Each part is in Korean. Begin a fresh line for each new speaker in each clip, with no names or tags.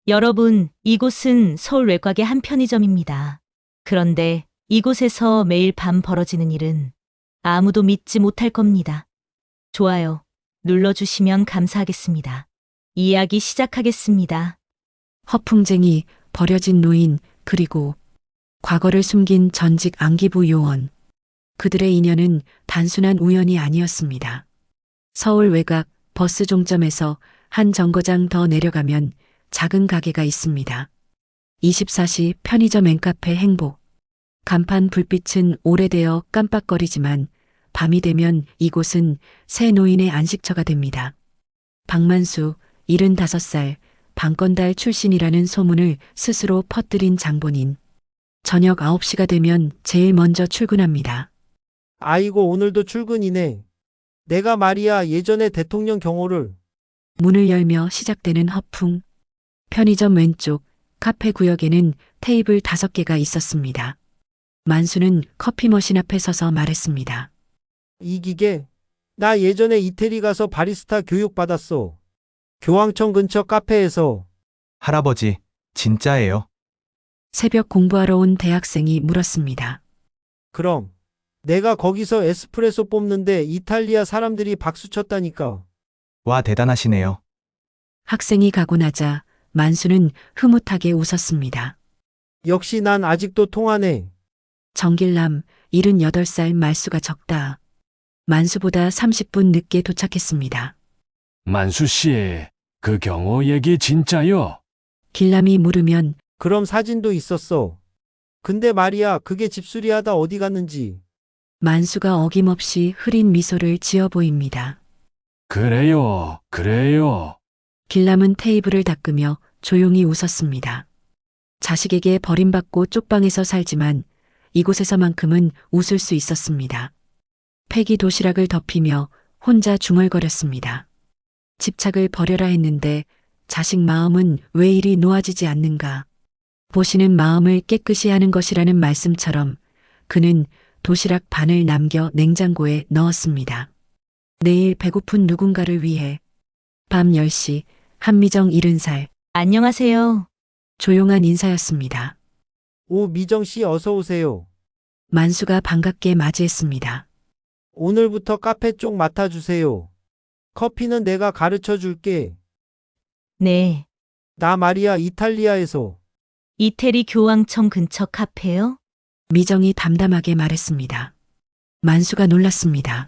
여러분, 이곳은 서울 외곽의 한 편의점입니다. 그런데 이곳에서 매일 밤 벌어지는 일은 아무도 믿지 못할 겁니다. 좋아요 눌러주시면 감사하겠습니다. 이야기 시작하겠습니다.
허풍쟁이, 버려진 노인, 그리고 과거를 숨긴 전직 안기부 요원. 그들의 인연은 단순한 우연이 아니었습니다. 서울 외곽 버스 종점에서 한 정거장 더 내려가면 작은 가게가 있습니다. 24시 편의점 앵카페 행복. 간판 불빛은 오래되어 깜빡거리지만 밤이 되면 이곳은 새 노인의 안식처가 됩니다. 박만수, 75살, 방건달 출신이라는 소문을 스스로 퍼뜨린 장본인. 저녁 9시가 되면 제일 먼저 출근합니다.
아이고, 오늘도 출근이네. 내가 말이야, 예전에 대통령 경호를.
문을 열며 시작되는 허풍. 편의점 왼쪽 카페 구역에는 테이블 5개가 있었습니다. 만수는 커피 머신 앞에 서서 말했습니다.
이기게? 나 예전에 이태리 가서 바리스타 교육 받았어. 교황청 근처 카페에서.
할아버지, 진짜예요?
새벽 공부하러 온 대학생이 물었습니다.
그럼 내가 거기서 에스프레소 뽑는데 이탈리아 사람들이 박수 쳤다니까.
와, 대단하시네요.
학생이 가고 나자 만수는 흐뭇하게 웃었습니다.
역시 난 아직도 통하네.
정길남, 78살 말수가 적다. 만수보다 30분 늦게 도착했습니다.
만수 씨, 그 경호 얘기 진짜요?
길남이 물으면
그럼 사진도 있었어. 근데 말이야, 그게 집수리하다 어디 갔는지.
만수가 어김없이 흐린 미소를 지어 보입니다.
그래요, 그래요.
길남은 테이블을 닦으며 조용히 웃었습니다. 자식에게 버림받고 쪽방에서 살지만 이곳에서만큼은 웃을 수 있었습니다. 폐기 도시락을 덮이며 혼자 중얼거렸습니다. 집착을 버려라 했는데 자식 마음은 왜 이리 놓아지지 않는가. 보시는 마음을 깨끗이 하는 것이라는 말씀처럼 그는 도시락 반을 남겨 냉장고에 넣었습니다. 내일 배고픈 누군가를 위해. 밤 10시 한미정 70살.
안녕하세요.
조용한 인사였습니다.
오, 미정 씨 어서 오세요.
만수가 반갑게 맞이했습니다.
오늘부터 카페 쪽 맡아주세요. 커피는 내가 가르쳐 줄게.
네,
나 말이야, 이탈리아에서.
이태리 교황청 근처 카페요?
미정이 담담하게 말했습니다. 만수가 놀랐습니다.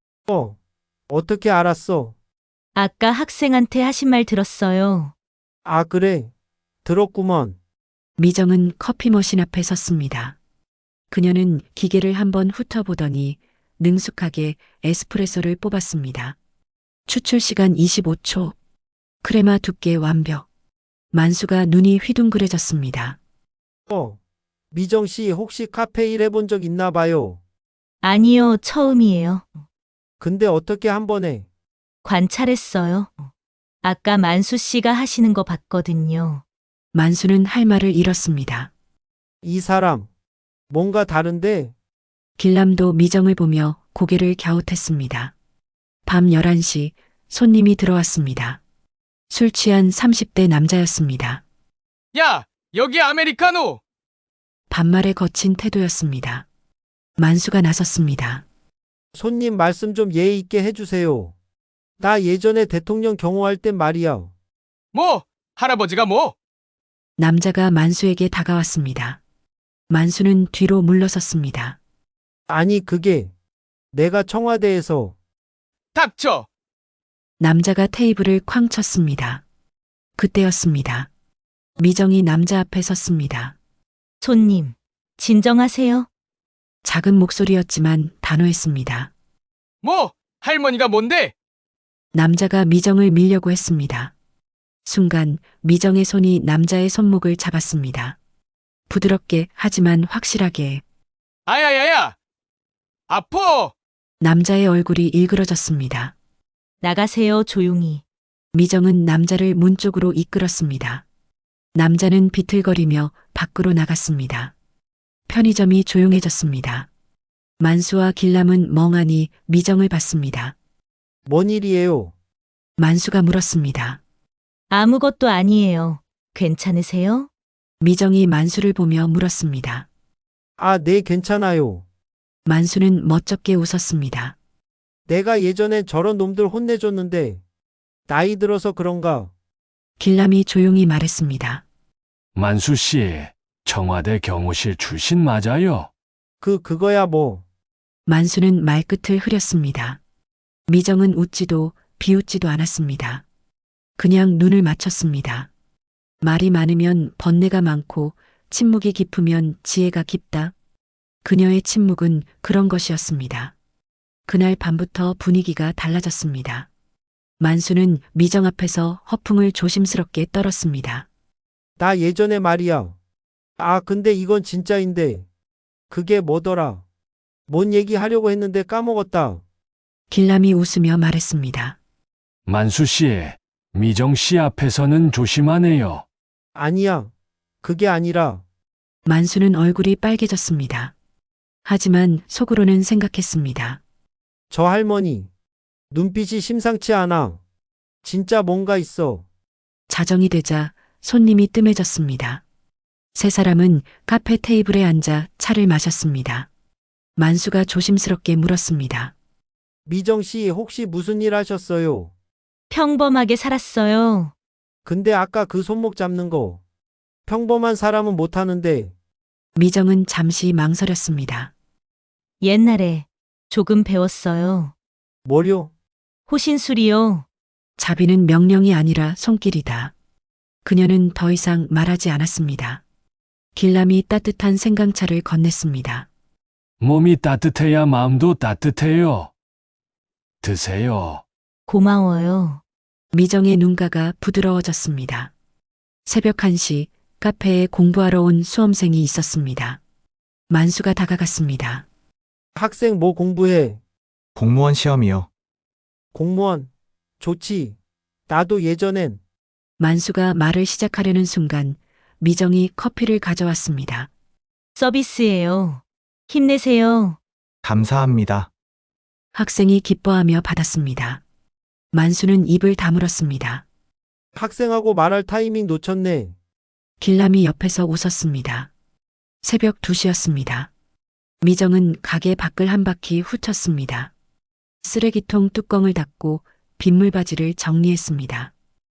어떻게 알았어?
아까 학생한테 하신 말 들었어요.
아, 그래. 들었구먼.
미정은 커피 머신 앞에 섰습니다. 그녀는 기계를 한번 훑어보더니 능숙하게 에스프레소를 뽑았습니다. 추출 시간 25초. 크레마 두께 완벽. 만수가 눈이 휘둥그레졌습니다.
미정 씨 혹시 카페 일 해본 적 있나 봐요.
아니요, 처음이에요.
근데 어떻게 한 번에?
관찰했어요. 아까 만수 씨가 하시는 거 봤거든요.
만수는 할 말을 잃었습니다.
이 사람, 뭔가 다른데?
길남도 미정을 보며 고개를 갸웃했습니다. 밤 11시 손님이 들어왔습니다. 술 취한 30대 남자였습니다.
야, 여기 아메리카노!
반말에 거친 태도였습니다. 만수가 나섰습니다.
손님 말씀 좀 예의 있게 해주세요. 나 예전에 대통령 경호할 땐 말이야.
뭐? 할아버지가 뭐?
남자가 만수에게 다가왔습니다. 만수는 뒤로 물러섰습니다.
아니, 그게 내가 청와대에서.
닥쳐!
남자가 테이블을 쾅 쳤습니다. 그때였습니다. 미정이 남자 앞에 섰습니다.
손님, 진정하세요.
작은 목소리였지만 단호했습니다.
뭐? 할머니가 뭔데?
남자가 미정을 밀려고 했습니다. 순간 미정의 손이 남자의 손목을 잡았습니다. 부드럽게 하지만 확실하게.
아야야야! 아파!
남자의 얼굴이 일그러졌습니다.
나가세요, 조용히.
미정은 남자를 문 쪽으로 이끌었습니다. 남자는 비틀거리며 밖으로 나갔습니다. 편의점이 조용해졌습니다. 만수와 길남은 멍하니 미정을 봤습니다.
뭔 일이에요?
만수가 물었습니다.
아무것도 아니에요. 괜찮으세요?
미정이 만수를 보며 물었습니다.
아, 네, 괜찮아요.
만수는 멋쩍게 웃었습니다.
내가 예전엔 저런 놈들 혼내줬는데, 나이 들어서 그런가?
길람이 조용히 말했습니다.
만수 씨, 청와대 경호실 출신 맞아요?
그거야 뭐.
만수는 말끝을 흐렸습니다. 미정은 웃지도 비웃지도 않았습니다. 그냥 눈을 맞췄습니다. 말이 많으면 번뇌가 많고 침묵이 깊으면 지혜가 깊다. 그녀의 침묵은 그런 것이었습니다. 그날 밤부터 분위기가 달라졌습니다. 만수는 미정 앞에서 허풍을 조심스럽게 떨었습니다.
나 예전에 말이야. 아, 근데 이건 진짜인데. 그게 뭐더라? 뭔 얘기 하려고 했는데 까먹었다.
길람이 웃으며 말했습니다.
만수 씨, 미정 씨 앞에서는 조심하네요.
아니야. 그게 아니라,
만수는 얼굴이 빨개졌습니다. 하지만 속으로는 생각했습니다.
저 할머니. 눈빛이 심상치 않아. 진짜 뭔가 있어.
자정이 되자 손님이 뜸해졌습니다. 세 사람은 카페 테이블에 앉아 차를 마셨습니다. 만수가 조심스럽게 물었습니다.
미정 씨 혹시 무슨 일 하셨어요?
평범하게 살았어요.
근데 아까 그 손목 잡는 거. 평범한 사람은 못 하는데,
미정은 잠시 망설였습니다.
옛날에 조금 배웠어요.
뭐요?
호신술이요.
자비는 명령이 아니라 손길이다. 그녀는 더 이상 말하지 않았습니다. 길람이 따뜻한 생강차를 건넸습니다.
몸이 따뜻해야 마음도 따뜻해요. 드세요.
고마워요.
미정의 눈가가 부드러워졌습니다. 새벽 1시 카페에 공부하러 온 수험생이 있었습니다. 만수가 다가갔습니다.
학생 뭐 공부해?
공무원 시험이요.
공무원. 좋지. 나도 예전엔.
만수가 말을 시작하려는 순간 미정이 커피를 가져왔습니다.
서비스예요. 힘내세요.
감사합니다.
학생이 기뻐하며 받았습니다. 만수는 입을 다물었습니다.
학생하고 말할 타이밍 놓쳤네.
길람이 옆에서 웃었습니다. 새벽 2시였습니다. 미정은 가게 밖을 한 바퀴 훑었습니다. 쓰레기통 뚜껑을 닫고 빗물바지를 정리했습니다.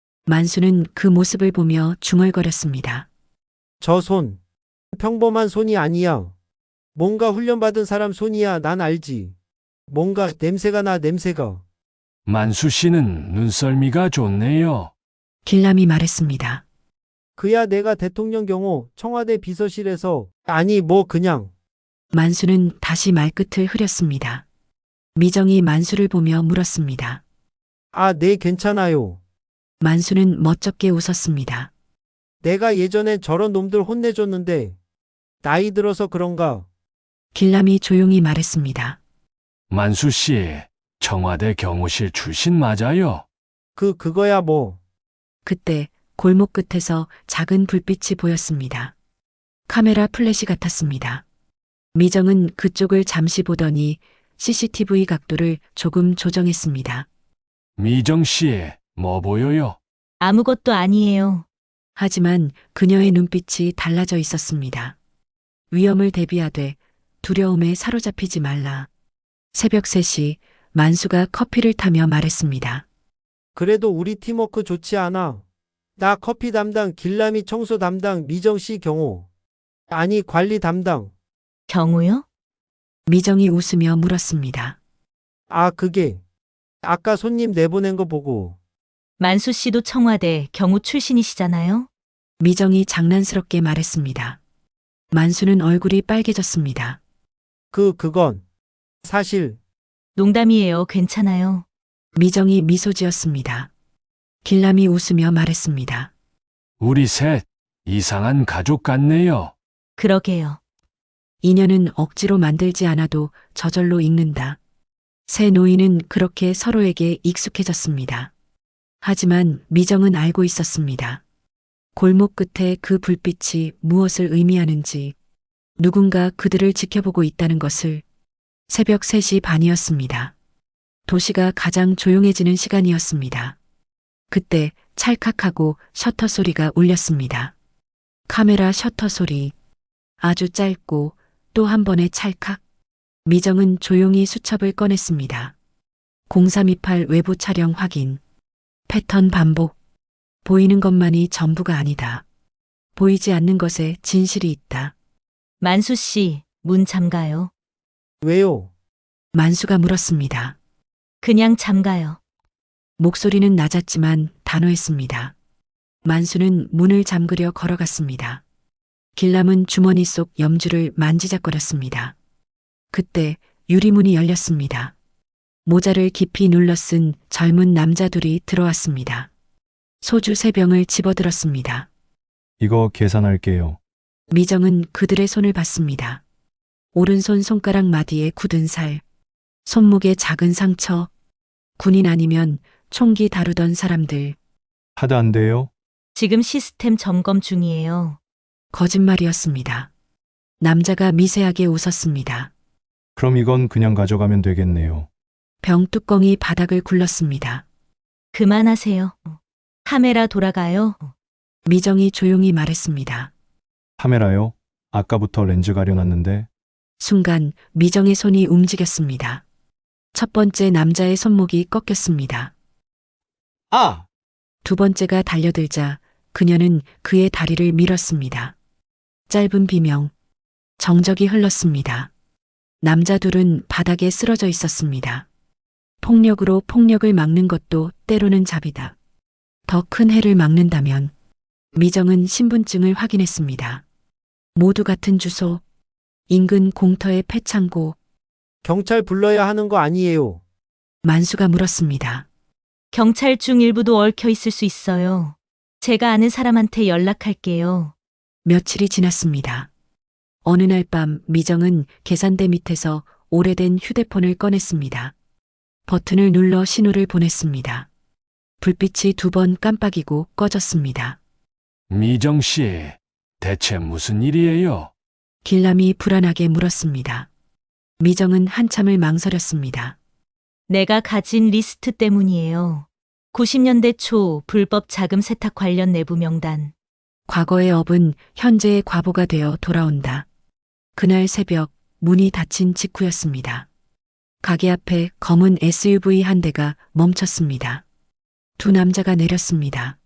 만수는 그 모습을 보며 중얼거렸습니다.
저 손. 평범한 손이 아니야. 뭔가 훈련받은 사람 손이야. 난 알지. 뭔가 냄새가 나, 냄새가.
만수 씨는 눈썰미가 좋네요.
길람이 말했습니다.
그야 내가 대통령 경호 청와대 비서실에서, 아니 뭐 그냥.
만수는 다시 말끝을 흐렸습니다. 미정이 만수를 보며 물었습니다.
아, 네, 괜찮아요.
만수는 멋쩍게 웃었습니다.
내가 예전엔 저런 놈들 혼내줬는데, 나이 들어서 그런가?
길람이 조용히 말했습니다.
만수 씨, 청와대 경호실 출신 맞아요?
그거야 뭐.
그때 골목 끝에서 작은 불빛이 보였습니다. 카메라 플래시 같았습니다. 미정은 그쪽을 잠시 보더니 CCTV 각도를 조금 조정했습니다.
미정 씨, 뭐 보여요?
아무것도 아니에요.
하지만 그녀의 눈빛이 달라져 있었습니다. 위험을 대비하되 두려움에 사로잡히지 말라. 새벽 3시 만수가 커피를 타며 말했습니다.
그래도 우리 팀워크 좋지 않아. 나 커피 담당, 길람이 청소 담당, 미정 씨 경호. 아니, 관리 담당.
경우요?
미정이 웃으며 물었습니다.
아, 그게. 아까 손님 내보낸 거 보고.
만수 씨도 청와대 경호 출신이시잖아요.
미정이 장난스럽게 말했습니다. 만수는 얼굴이 빨개졌습니다.
그건. 사실,
농담이에요. 괜찮아요.
미정이 미소 지었습니다. 길람이 웃으며 말했습니다.
우리 셋 이상한 가족 같네요.
그러게요.
인연은 억지로 만들지 않아도 저절로 익는다. 새 노인은 그렇게 서로에게 익숙해졌습니다. 하지만 미정은 알고 있었습니다. 골목 끝에 그 불빛이 무엇을 의미하는지, 누군가 그들을 지켜보고 있다는 것을. 새벽 3시 반이었습니다. 도시가 가장 조용해지는 시간이었습니다. 그때 찰칵하고 셔터 소리가 울렸습니다. 카메라 셔터 소리. 아주 짧고 또 한 번의 찰칵. 미정은 조용히 수첩을 꺼냈습니다. 0328 외부 촬영 확인. 패턴 반복. 보이는 것만이 전부가 아니다. 보이지 않는 것에 진실이 있다.
만수 씨, 문 잠가요.
왜요?
만수가 물었습니다.
그냥 잠가요.
목소리는 낮았지만 단호했습니다. 만수는 문을 잠그려 걸어갔습니다. 길람은 주머니 속 염주를 만지작거렸습니다. 그때 유리문이 열렸습니다. 모자를 깊이 눌러 쓴 젊은 남자 둘이 들어왔습니다. 소주 3병을 집어들었습니다.
이거 계산할게요.
미정은 그들의 손을 봤습니다. 오른손 손가락 마디에 굳은 살, 손목에 작은 상처, 군인 아니면 총기 다루던 사람들.
하드 안 돼요?
지금 시스템 점검 중이에요.
거짓말이었습니다. 남자가 미세하게 웃었습니다.
그럼 이건 그냥 가져가면 되겠네요.
병 뚜껑이 바닥을 굴렀습니다.
그만하세요. 카메라 돌아가요.
미정이 조용히 말했습니다.
카메라요? 아까부터 렌즈 가려놨는데.
순간 미정의 손이 움직였습니다. 첫 번째 남자의 손목이 꺾였습니다.
아!
두 번째가 달려들자 그녀는 그의 다리를 밀었습니다. 짧은 비명, 정적이 흘렀습니다. 남자 둘은 바닥에 쓰러져 있었습니다. 폭력으로 폭력을 막는 것도 때로는 잡이다. 더 큰 해를 막는다면. 미정은 신분증을 확인했습니다. 모두 같은 주소, 인근 공터의 폐창고.
경찰 불러야 하는 거 아니에요.
만수가 물었습니다.
경찰 중 일부도 얽혀 있을 수 있어요. 제가 아는 사람한테 연락할게요.
며칠이 지났습니다. 어느 날 밤 미정은 계산대 밑에서 오래된 휴대폰을 꺼냈습니다. 버튼을 눌러 신호를 보냈습니다. 불빛이 2번 깜빡이고 꺼졌습니다.
미정 씨, 대체 무슨 일이에요?
길람이 불안하게 물었습니다. 미정은 한참을 망설였습니다.
내가 가진 리스트 때문이에요. 90년대 초 불법 자금 세탁 관련 내부 명단.
과거의 업은 현재의 과보가 되어 돌아온다. 그날 새벽 문이 닫힌 직후였습니다. 가게 앞에 검은 SUV 한 대가 멈췄습니다. 두 남자가 내렸습니다.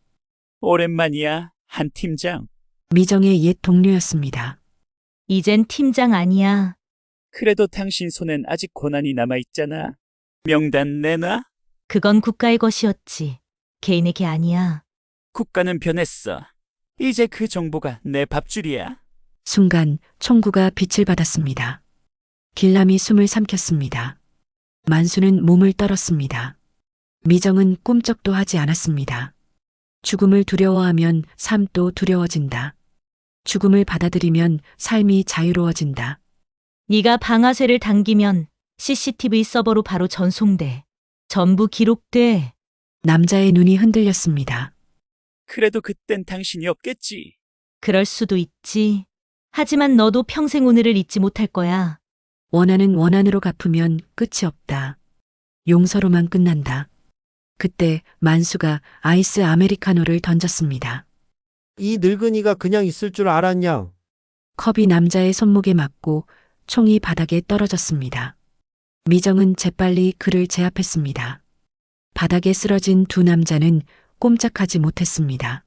오랜만이야, 한 팀장.
미정의 옛 동료였습니다.
이젠 팀장 아니야.
그래도 당신 손엔 아직 고난이 남아있잖아. 명단 내놔?
그건 국가의 것이었지. 개인의 게 아니야.
국가는 변했어. 이제 그 정보가 내 밥줄이야.
순간 총구가 빛을 받았습니다. 길람이 숨을 삼켰습니다. 만수는 몸을 떨었습니다. 미정은 꿈쩍도 하지 않았습니다. 죽음을 두려워하면 삶도 두려워진다. 죽음을 받아들이면 삶이 자유로워진다.
네가 방아쇠를 당기면 CCTV 서버로 바로 전송돼. 전부 기록돼.
남자의 눈이 흔들렸습니다.
그래도 그땐 당신이 없겠지.
그럴 수도 있지. 하지만 너도 평생 오늘을 잊지 못할 거야.
원한은 원한으로 갚으면 끝이 없다. 용서로만 끝난다. 그때 만수가 아이스 아메리카노를 던졌습니다.
이 늙은이가 그냥 있을 줄 알았냐?
컵이 남자의 손목에 맞고 총이 바닥에 떨어졌습니다. 미정은 재빨리 그를 제압했습니다. 바닥에 쓰러진 두 남자는 꼼짝하지 못했습니다.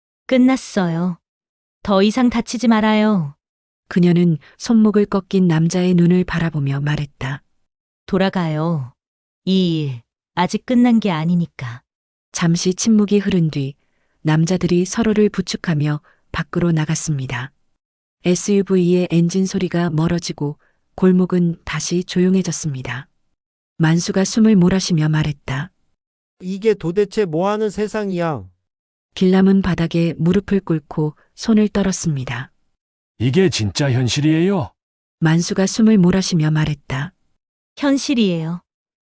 끝났어요. 더 이상 다치지 말아요.
그녀는 손목을 꺾인 남자의 눈을 바라보며 말했다.
돌아가요. 이 일 아직 끝난 게 아니니까.
잠시 침묵이 흐른 뒤 남자들이 서로를 부축하며 밖으로 나갔습니다. SUV의 엔진 소리가 멀어지고 골목은 다시 조용해졌습니다. 만수가 숨을 몰아쉬며 말했다.
이게 도대체 뭐 하는 세상이야?
길람은 바닥에 무릎을 꿇고 손을 떨었습니다.
이게 진짜 현실이에요?
만수가 숨을 몰아쉬며 말했다.
현실이에요.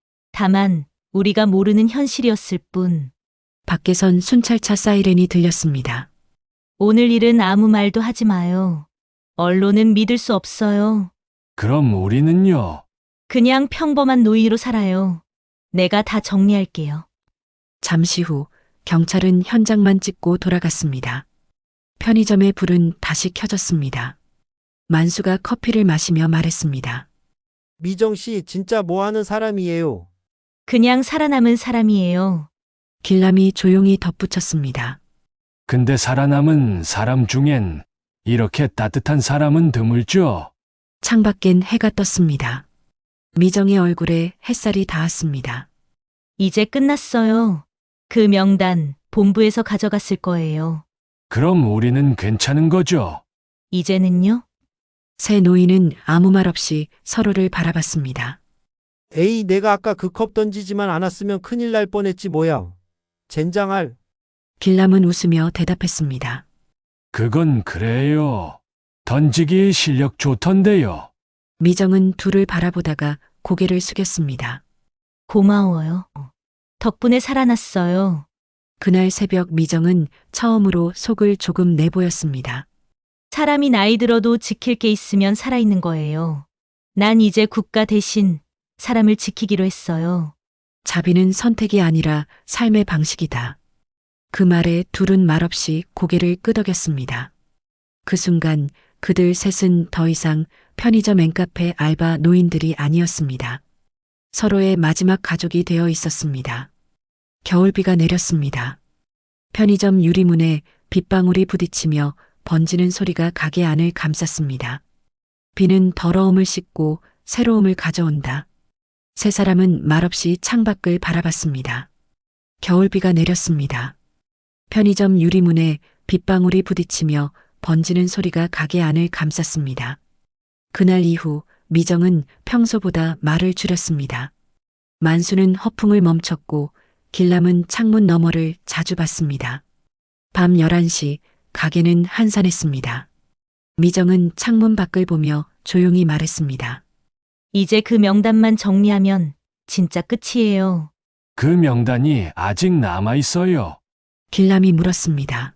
다만 우리가 모르는 현실이었을 뿐.
밖에선 순찰차 사이렌이 들렸습니다.
오늘 일은 아무 말도 하지 마요. 언론은 믿을 수 없어요.
그럼 우리는요?
그냥 평범한 노인으로 살아요. 내가 다 정리할게요.
잠시 후 경찰은 현장만 찍고 돌아갔습니다. 편의점의 불은 다시 켜졌습니다. 만수가 커피를 마시며 말했습니다.
미정 씨 진짜 뭐 하는 사람이에요?
그냥 살아남은 사람이에요.
길람이 조용히 덧붙였습니다.
근데 살아남은 사람 중엔 이렇게 따뜻한 사람은 드물죠.
창밖엔 해가 떴습니다. 미정의 얼굴에 햇살이 닿았습니다.
이제 끝났어요. 그 명단 본부에서 가져갔을 거예요.
그럼 우리는 괜찮은 거죠?
이제는요?
새 노인은 아무 말 없이 서로를 바라봤습니다.
에이, 내가 아까 그 컵 던지지만 않았으면 큰일 날 뻔했지 뭐야. 젠장할.
길람은 웃으며 대답했습니다.
그건 그래요. 던지기 실력 좋던데요.
미정은 둘을 바라보다가 고개를 숙였습니다.
고마워요. 덕분에 살아났어요.
그날 새벽 미정은 처음으로 속을 조금 내보였습니다.
사람이 나이 들어도 지킬 게 있으면 살아있는 거예요. 난 이제 국가 대신 사람을 지키기로 했어요.
자비는 선택이 아니라 삶의 방식이다. 그 말에 둘은 말없이 고개를 끄덕였습니다. 그 순간 그들 셋은 더 이상 편의점 앵카페 알바 노인들이 아니었습니다. 서로의 마지막 가족이 되어 있었습니다. 겨울비가 내렸습니다. 편의점 유리문에 빗방울이 부딪히며 번지는 소리가 가게 안을 감쌌습니다. 비는 더러움을 씻고 새로움을 가져온다. 세 사람은 말없이 창밖을 바라봤습니다. 겨울비가 내렸습니다. 편의점 유리문에 빗방울이 부딪히며 번지는 소리가 가게 안을 감쌌습니다. 그날 이후 미정은 평소보다 말을 줄였습니다. 만수는 허풍을 멈췄고 길람은 창문 너머를 자주 봤습니다. 밤 11시 가게는 한산했습니다. 미정은 창문 밖을 보며 조용히 말했습니다.
이제 그 명단만 정리하면 진짜 끝이에요.
그 명단이 아직 남아 있어요.
길람이 물었습니다.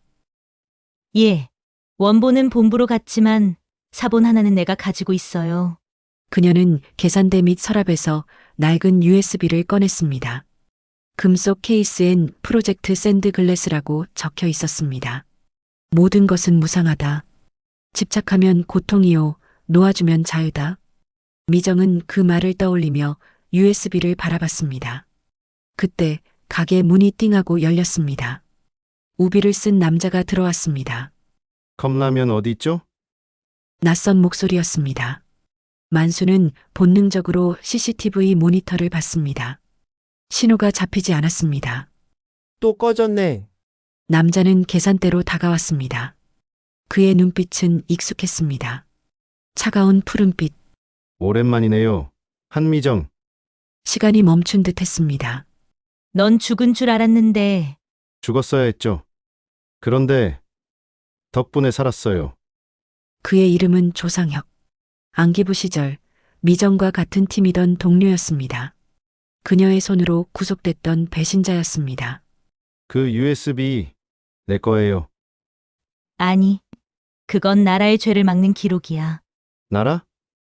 예. 원본은 본부로 갔지만 사본 하나는 내가 가지고 있어요.
그녀는 계산대 및 서랍에서 낡은 USB를 꺼냈습니다. 금속 케이스엔 프로젝트 샌드글래스라고 적혀 있었습니다. 모든 것은 무상하다. 집착하면 고통이요, 놓아주면 자유다. 미정은 그 말을 떠올리며 USB를 바라봤습니다. 그때 가게 문이 띵하고 열렸습니다. 우비를 쓴 남자가 들어왔습니다.
컵라면 어디 있죠?
낯선 목소리였습니다. 만수는 본능적으로 CCTV 모니터를 봤습니다. 신호가 잡히지 않았습니다.
또 꺼졌네.
남자는 계산대로 다가왔습니다. 그의 눈빛은 익숙했습니다. 차가운 푸른빛,
오랜만이네요. 한미정.
시간이 멈춘 듯 했습니다.
넌 죽은 줄 알았는데
죽었어야 했죠. 그런데 덕분에 살았어요.
그의 이름은 조상혁. 안기부 시절 미정과 같은 팀이던 동료였습니다. 그녀의 손으로 구속됐던 배신자였습니다.
그 USB 내 거예요.
아니, 그건 나라의 죄를 막는 기록이야.
나라?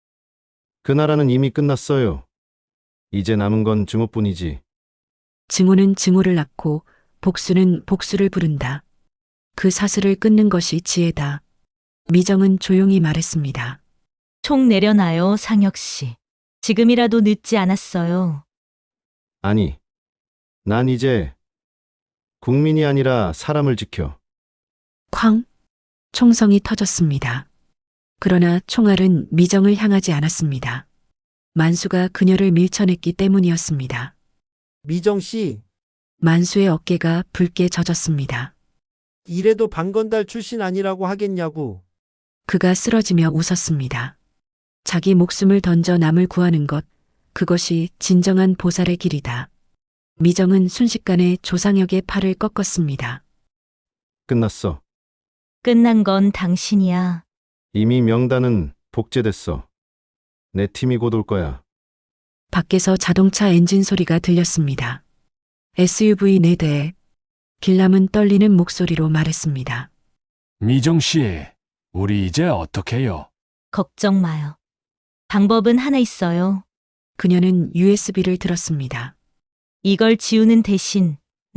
그 나라는 이미 끝났어요. 이제 남은 건 증오뿐이지.
증오는 증오를 낳고 복수는 복수를 부른다. 그 사슬을 끊는 것이 지혜다. 미정은 조용히 말했습니다.
총 내려놔요, 상혁 씨. 지금이라도 늦지 않았어요.
아니, 난 이제 국민이 아니라 사람을 지켜.
쾅! 총성이 터졌습니다. 그러나 총알은 미정을 향하지 않았습니다. 만수가 그녀를 밀쳐냈기 때문이었습니다.
미정 씨,
만수의 어깨가 붉게 젖었습니다.
이래도 방건달 출신 아니라고 하겠냐고.
그가 쓰러지며 웃었습니다. 자기 목숨을 던져 남을 구하는 것, 그것이 진정한 보살의 길이다. 미정은 순식간에 조상혁의 팔을 꺾었습니다.
끝났어.
끝난 건 당신이야.
이미 명단은 복제됐어. 내 팀이 곧 올 거야.
밖에서 자동차 엔진 소리가 들렸습니다. SUV 4대에 길람은 떨리는 목소리로 말했습니다.
미정 씨, 우리 이제 어떡해요?
걱정 마요. 방법은 하나 있어요.
그녀는 USB를 들었습니다.
이걸 지우는 대신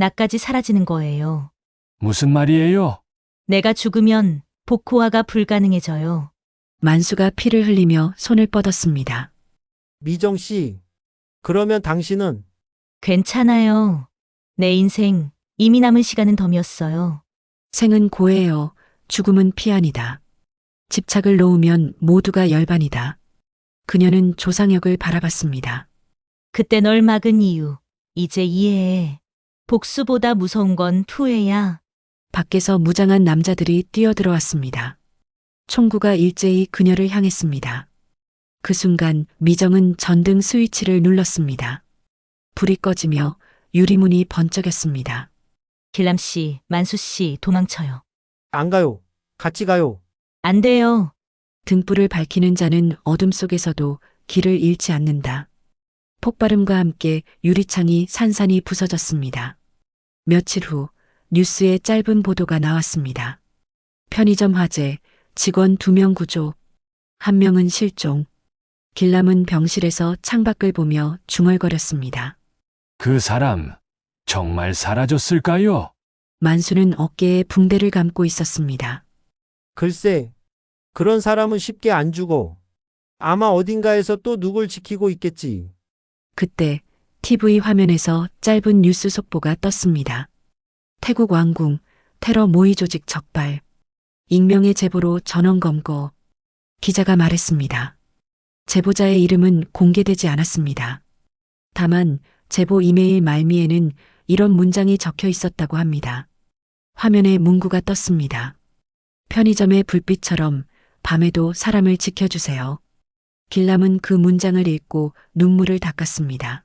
나까지 사라지는 거예요.
무슨 말이에요?
내가 죽으면 복호화가 불가능해져요.
만수가 피를 흘리며 손을 뻗었습니다.
미정 씨, 그러면 당신은
괜찮아요. 내 인생 이미 남은 시간은 덤이었어요.
생은 고해요. 죽음은 피안이다. 집착을 놓으면 모두가 열반이다. 그녀는 조상혁을 바라봤습니다.
그때 널 막은 이유, 이제 이해해. 복수보다 무서운 건 투회야.
밖에서 무장한 남자들이 뛰어들어왔습니다. 총구가 일제히 그녀를 향했습니다. 그 순간 미정은 전등 스위치를 눌렀습니다. 불이 꺼지며 유리문이 번쩍였습니다.
길람 씨, 만수 씨, 도망쳐요.
안 가요. 같이 가요.
안 돼요.
등불을 밝히는 자는 어둠 속에서도 길을 잃지 않는다. 폭발음과 함께 유리창이 산산이 부서졌습니다. 며칠 후 뉴스에 짧은 보도가 나왔습니다. 편의점 화재, 직원 2명 구조, 1명은 실종. 길람은 병실에서 창밖을 보며 중얼거렸습니다.
그 사람 정말 사라졌을까요?
만수는 어깨에 붕대를 감고 있었습니다.
글쎄, 그런 사람은 쉽게 안 죽어. 아마 어딘가에서 또 누굴 지키고 있겠지.
그때 TV 화면에서 짧은 뉴스 속보가 떴습니다. 태국 왕궁, 테러 모의 조직 적발. 익명의 제보로 전원 검거. 기자가 말했습니다. 제보자의 이름은 공개되지 않았습니다. 다만 제보 이메일 말미에는 이런 문장이 적혀 있었다고 합니다. 화면에 문구가 떴습니다. 편의점의 불빛처럼 밤에도 사람을 지켜주세요. 길람은 그 문장을 읽고 눈물을 닦았습니다.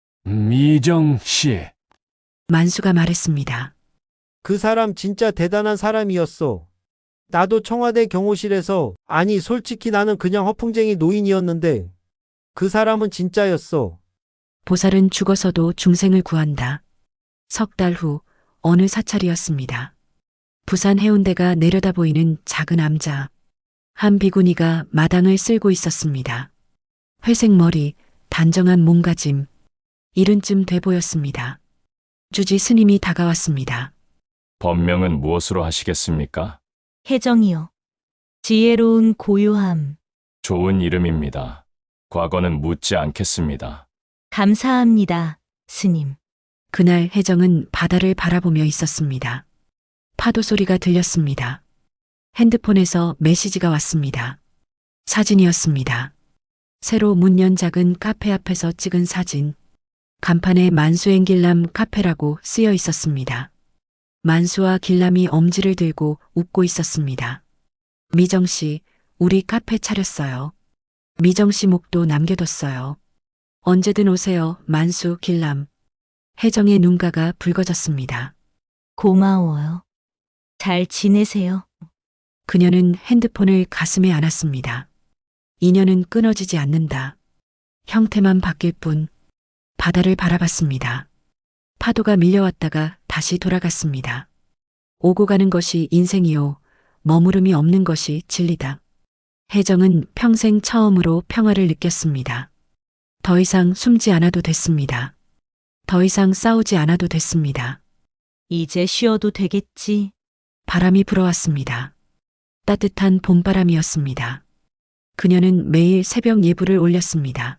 미정 씨,
만수가 말했습니다.
그 사람 진짜 대단한 사람이었어. 나도 청와대 경호실에서, 아니, 솔직히 나는 그냥 허풍쟁이 노인이었는데, 그 사람은 진짜였어.
보살은 죽어서도 중생을 구한다. 석 달 후 어느 사찰이었습니다. 부산 해운대가 내려다 보이는 작은 암자. 한 비구니가 마당을 쓸고 있었습니다. 회색 머리, 단정한 몸가짐. 이른쯤 돼 보였습니다. 주지 스님이 다가왔습니다.
법명은 무엇으로 하시겠습니까?
혜정이요. 지혜로운 고요함.
좋은 이름입니다. 과거는 묻지 않겠습니다.
감사합니다, 스님.
그날 혜정은 바다를 바라보며 있었습니다. 파도 소리가 들렸습니다. 핸드폰에서 메시지가 왔습니다. 사진이었습니다. 새로 문 연 작은 카페 앞에서 찍은 사진. 간판에 만수앤 길람 카페라고 쓰여 있었습니다. 만수와 길람이 엄지를 들고 웃고 있었습니다. 미정 씨, 우리 카페 차렸어요. 미정 씨 목도 남겨뒀어요. 언제든 오세요, 만수, 길람. 혜정의 눈가가 붉어졌습니다.
고마워요. 잘 지내세요.
그녀는 핸드폰을 가슴에 안았습니다. 인연은 끊어지지 않는다. 형태만 바뀔 뿐. 바다를 바라봤습니다. 파도가 밀려왔다가 다시 돌아갔습니다. 오고 가는 것이 인생이요. 머무름이 없는 것이 진리다. 혜정은 평생 처음으로 평화를 느꼈습니다. 더 이상 숨지 않아도 됐습니다. 더 이상 싸우지 않아도 됐습니다.
이제 쉬어도 되겠지.
바람이 불어왔습니다. 따뜻한 봄바람이었습니다. 그녀는 매일 새벽 예불을 올렸습니다.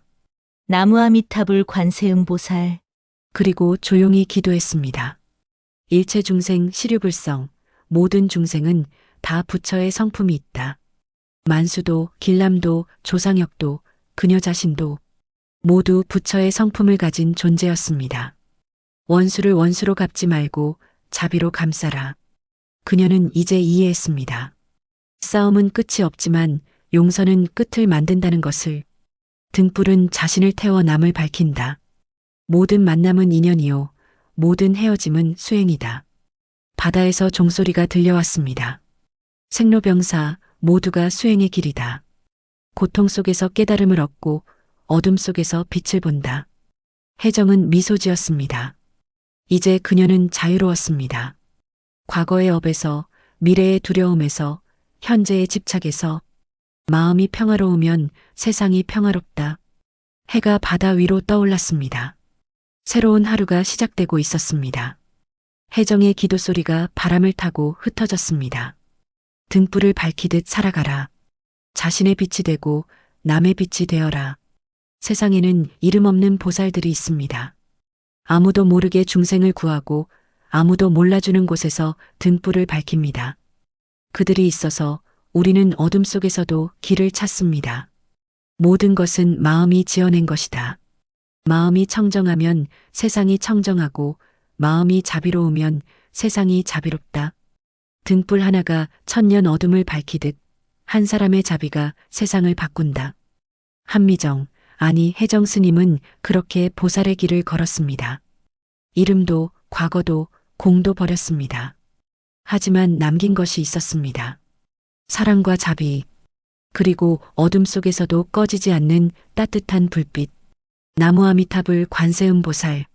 나무아미타불 관세음보살.
그리고 조용히 기도했습니다. 일체 중생 시류불성, 모든 중생은 다 부처의 성품이 있다. 만수도, 길람도, 조상혁도, 그녀 자신도 모두 부처의 성품을 가진 존재였습니다. 원수를 원수로 갚지 말고 자비로 감싸라. 그녀는 이제 이해했습니다. 싸움은 끝이 없지만 용서는 끝을 만든다는 것을. 등불은 자신을 태워 남을 밝힌다. 모든 만남은 인연이요. 모든 헤어짐은 수행이다. 바다에서 종소리가 들려왔습니다. 생로병사 모두가 수행의 길이다. 고통 속에서 깨달음을 얻고 어둠 속에서 빛을 본다. 혜정은 미소 지었습니다. 이제 그녀는 자유로웠습니다. 과거의 업에서, 미래의 두려움에서, 현재의 집착에서. 마음이 평화로우면 세상이 평화롭다. 해가 바다 위로 떠올랐습니다. 새로운 하루가 시작되고 있었습니다. 혜정의 기도 소리가 바람을 타고 흩어졌습니다. 등불을 밝히듯 살아가라. 자신의 빛이 되고 남의 빛이 되어라. 세상에는 이름 없는 보살들이 있습니다. 아무도 모르게 중생을 구하고 아무도 몰라주는 곳에서 등불을 밝힙니다. 그들이 있어서 우리는 어둠 속에서도 길을 찾습니다. 모든 것은 마음이 지어낸 것이다. 마음이 청정하면 세상이 청정하고 마음이 자비로우면 세상이 자비롭다. 등불 하나가 천년 어둠을 밝히듯 한 사람의 자비가 세상을 바꾼다. 한미정, 아니 혜정 스님은 그렇게 보살의 길을 걸었습니다. 이름도 과거도 공도 버렸습니다. 하지만 남긴 것이 있었습니다. 사랑과 자비, 그리고 어둠 속에서도 꺼지지 않는 따뜻한 불빛. 나무 아미타불 관세음보살.